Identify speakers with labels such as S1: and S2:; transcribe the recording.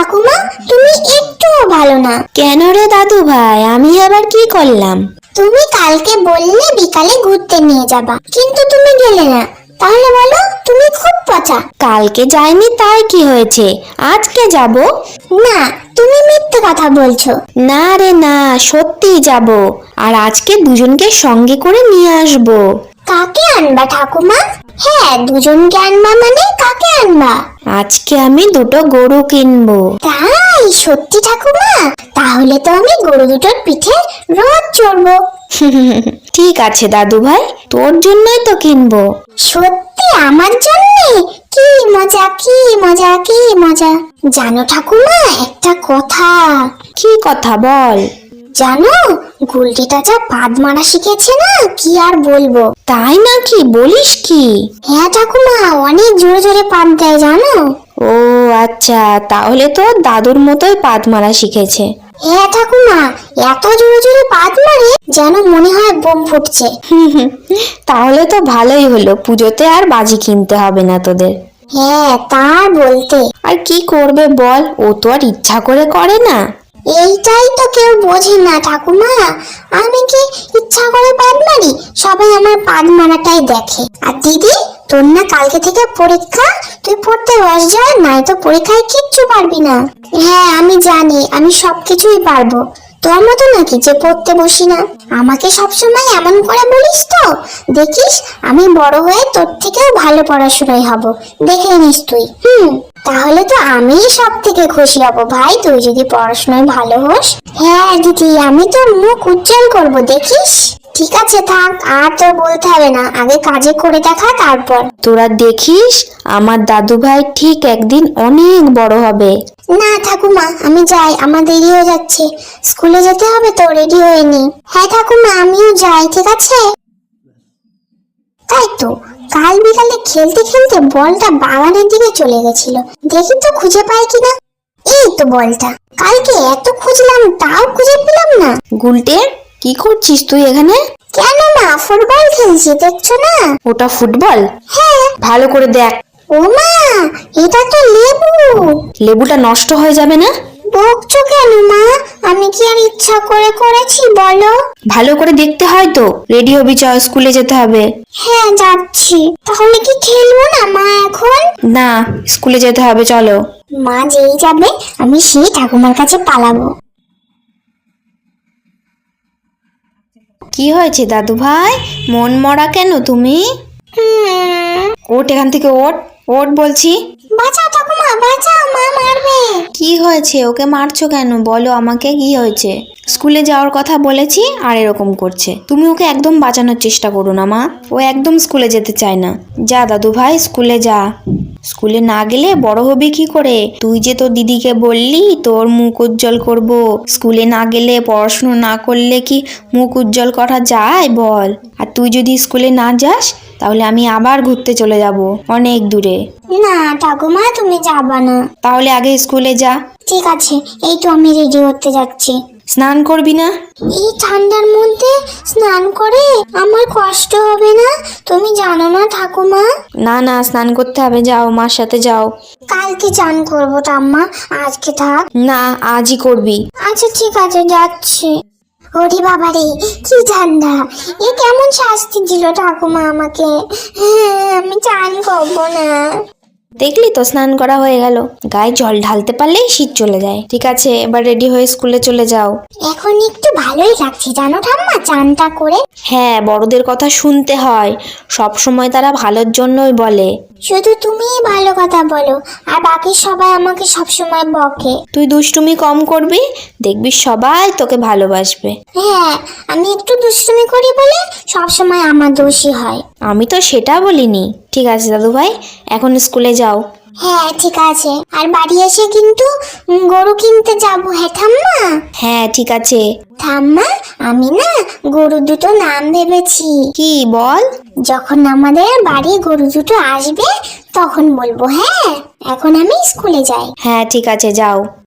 S1: ঠাকুমা, তুমি একটুও ভালো না।
S2: কেন রে দাদু ভাই, আমি আবার কি করলাম?
S1: তুমি কালকে বললে বিকালে ঘুরতে নিয়ে যাবা, কিন্তু তুমি গেলে না। তাহলে বলো, তুমি খুব পচা।
S2: কালকে যাইনি তাই কি হয়েছে, আজকে যাব।
S1: না, তুমি মিথ্যে কথা বলছো।
S2: না রে না, সত্যিই যাব। আর আজকে দুজনকে সঙ্গে করে নিয়ে আসবো।
S1: কাকে আনবা ঠাকুমা? হ্যাঁ, দুজনকে আনবা মানে কাকে আনবা?
S2: আজকে আমি দুটো গরু কিনবো।
S1: তাই? সত্যি ঠাকুমা? তাহলে তো আমি গরু দুটোর পিঠে রোজ চড়বো।
S2: ঠিক আছে দাদু ভাই, তোর জন্যই তো কিনবো।
S1: সত্যি আমার জন্যে? কি মজা, কি মজা, কি মজা। জানো ঠাকুমা একটা কথা?
S2: কি কথা বল।
S1: জানো, গুলটিটা যা পাদ মারা শিখেছে না, কি আর বলবো।
S2: তাই নাকি, বলিস কি?
S1: হ্যাঁ ঠাকুমা, অনেক জোরে জোরে পাদ দেয় জানো।
S2: ও আচ্ছা, তাহলে তো দাদুর মতোই পাদ মারা শিখেছে।
S1: হ্যাঁ ঠাকুমা, এত জোরে জোরে পাদ মারে যেন মনে হয় বোম ফুটছে।
S2: তাহলে তো ভালোই হলো, পুজোতে আর বাজি কিনতে হবে না তোদের।
S1: হ্যাঁ, তা বলতে।
S2: আর কি করবে বল, ও তো আর ইচ্ছা করে করে না।
S1: এইটাই তো কেউ বোঝে না ঠাকুমা। আমি কি ইচ্ছা করে পাদ মারি? সবাই আমার পাদ মারাটাই দেখে। আর দিদি, তোর না কালকে থেকে পরীক্ষা, তুই পড়তে বস যা, নাই তো পরীক্ষায় কিচ্ছু পারবি না। হ্যাঁ আমি জানি, আমি সবকিছুই পারবো। তোর মতো নাকি যে পড়তে বসি না। আমাকে সবসময় এমন করে বলিস তো, দেখিস আমি বড় হয়ে তোর থেকেও ভালো পড়াশোনায় হব, দেখে নিস তুই। তাহলে তো আমি সব থেকে খুশি হব ভাই, তুই যদি পড়াশোনায় ভালো হোস। হ্যাঁ দিদি, আমি তোর মুখ উজ্জ্বল করব, দেখিস। ঠিক আছে থাক, আর তোর বলতে হবে না, আগে কাজে করে দেখা তারপর।
S2: তোরা দেখিস, আমার দাদু ভাই ঠিক একদিন অনেক বড় হবে।
S1: না ঠাকুমা, আমি যাই, আমার দেরি হয়ে যাচ্ছে, স্কুলে যেতে হবে তো, রেডি হয়ে নি। হ্যাঁ ঠাকুমা, আমিও যাই, ঠিক আছে। তাই তো, কাল বিকালে খেলতে খেলতে বলটা বাগানের দিকে চলে গেছিল, দেখি তো খুঁজে পাই কিনা। এই তো বলটা, কালকে এত খুঁজলাম তাও খুঁজে পেলাম না।
S2: গুলটে, কি করছিস তুই এখানে?
S1: কেন মা, ফুটবল খেলছি, দেখছো না?
S2: ওটা ফুটবল?
S1: হ্যাঁ।
S2: ভালো করে দেখ।
S1: ও মা, এটা তো লেবু।
S2: লেবুটা নষ্ট হয়ে যাবে না?
S1: বকছো কেন মা? আমি কি আর ইচ্ছা করে করেছি বলো?
S2: ভালো করে দেখতে হয় তো। রেডি হবি, চ, স্কুলে যেতে হবে।
S1: হ্যাঁ যাচ্ছি। তাহলে কি খেলবো না মা এখন?
S2: না, স্কুলে যেতে হবে, চলো।
S1: মা যেই যাবে আমি সেই ঠাকুমার কাছে পালাবো।
S2: কি হয়েছে দাদু ভাই, মন মরা কেন তুমি? ওঠ এখান থেকে, ওঠ ওঠ বলছি।
S1: বাঁচাও ঠাকুমা, বাঁচাও, মা মারবে।
S2: কি হয়েছে, ওকে মারছো কেন, বলো আমাকে কি হয়েছে? স্কুলে যাওয়ার কথা বলেছি আর এরকম করছে। তুমি ওকে একদম বাঁচানোর চেষ্টা করো না মা, ও একদম স্কুলে যেতে চায় না। যা দাদু ভাই, স্কুলে যা। স্কুলে না গেলে বড় হবি কি করে? তুই যে তোর দিদিকে বললি তোর মুখ উজ্জ্বল করব, স্কুলে না গেলে, পড়াশুনো না করলে কি মুখ উজ্জ্বল করা যায় বল? আর তুই যদি স্কুলে না যাস তাহলে আমি আবার ঘুরতে চলে যাব অনেক দূরে।
S1: না ঠাকুমা, তুমি যাবা না।
S2: তাহলে আগে স্কুলে যা।
S1: ঠিক আছে, এই তো আমি রেডি হতে যাচ্ছি।
S2: স্নান করবি না?
S1: এই ঠান্ডার মধ্যে স্নান করে আমার কষ্ট হবে না? তুমি জানো না ঠাকুমা।
S2: না না, স্নান করতে হবে, যাও মার সাথে যাও।
S1: কালকে চান করবো ঠাম্মা, আজকে থাক।
S2: না, আজই করবি।
S1: আচ্ছা ঠিক আছে, যাচ্ছি। ওরে বাবা রে, কি ঠান্ডা! এ কেমন শাস্তি দিল ঠাকুমা আমাকে। আমি চান করবো না।
S2: দেখলি তো, স্নান করা হয়ে গেল। গায়ে জল ঢালতে পারলেই শীত চলে যায়। ঠিক আছে, এবার রেডি হয়ে স্কুলে চলে যাও।
S1: এখন একটু ভালোই লাগছে জানো ঠাম্মা, চানটা করে।
S2: হ্যাঁ, বড়দের কথা শুনতে হয়, সব সময় তারা ভালোর জন্যই বলে।
S1: শুধু তুমিই ভালো কথা বলো, আর বাকি সবাই আমাকে সবসময় বকে।
S2: তুই দুষ্টুমি কম করবি, দেখবি সবাই তোকে ভালোবাসবে।
S1: হ্যাঁ, আমি একটু দুষ্টুমি করি বলে সবসময় আমার দোষী হয়।
S2: আমি তো সেটা বলিনি। ঠিক আছে দাদু ভাই, এখন স্কুলে যাও।
S1: হ্যাঁ ঠিক আছে, আর বাড়ি এসে কিন্তু গরু কিনতে যাবো। হ্যাঁ ঠাম্মা।
S2: হ্যাঁ ঠিক আছে।
S1: ঠাম্মা, আমি না গরু দুটো নাম ভেবেছি।
S2: কি বল?
S1: যখন আমাদের বাড়ি গরু দুটো আসবে তখন বলবো। হ্যাঁ, এখন আমি স্কুলে যাই।
S2: হ্যাঁ ঠিক আছে, যাও।